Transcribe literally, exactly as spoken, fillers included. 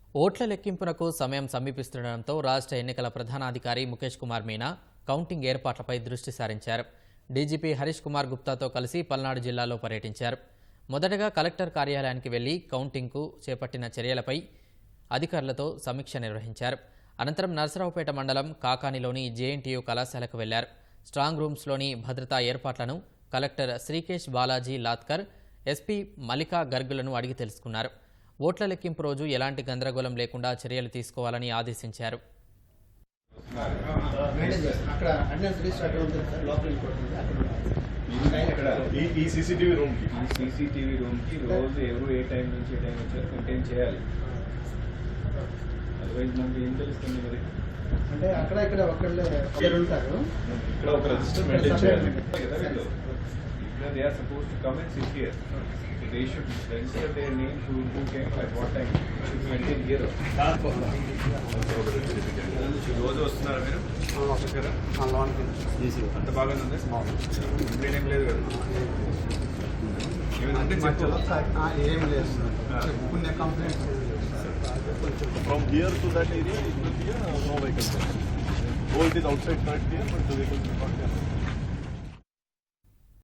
ఓట్ల లెక్కింపునకు సమయం సమీపిస్తుండటంతో రాష్ట్ర ఎన్నికల ప్రధానాధికారి ముఖేష్ కుమార్ మీనా కౌంటింగ్ ఏర్పాట్లపై దృష్టి సారించారు. డీజీపీ హరీష్ కుమార్ గుప్తాతో కలిసి పల్నాడు జిల్లాలో పర్యటించారు. మొదటగా కలెక్టర్ కార్యాలయానికి వెళ్లి కౌంటింగ్కు చేపట్టిన చర్యలపై అధికారులతో సమీక్ష నిర్వహించారు. అనంతరం నర్సరావుపేట మండలం కాకానిలోని జేఎన్టీయూ కళాశాలకు వెళ్లారు. స్ట్రాంగ్ రూమ్స్లోని భద్రతా ఏర్పాట్లను కలెక్టర్ శ్రీకేష్ బాలాజీ లాత్కర్, ఎస్పీ మల్లికా గర్గులను అడిగి తెలుసుకున్నారు. ఓట్ల లెక్కింపు రోజు ఎలాంటి గందరగోళం లేకుండా చర్యలు తీసుకోవాలని ఆదేశించారు. ఈ సీసీటీవీ రూమ్ కి సీసీటీవీ రూమ్ కి రోజు ఎవరు ఏ టైం నుంచి ఏ టైం వచ్చారు మెయింటైన్ చేయాలి. అదర్వైజ్ మనకి ఏం తెలుస్తుంది మరి అంటే అక్కడ ఇక్కడ ఒకళ్ళు ఉంటారు. ఇక్కడ ఒక రిజిస్టర్ మెయింటైన్ చేయాలి కదా. They are suppose to come and sit here. They should register their name to who came at what time. Should be maintained here. రోజు వస్తున్నారా మీరు? వస్తారా? అంత బాగానే ఉంది. కంప్లైంట్ ఏం లేదు కదా? ఏం లేదు. కొన్ని complaints. From here to that area, it will be a no vehicle. Though it is outside track here, but the vehicle will not be.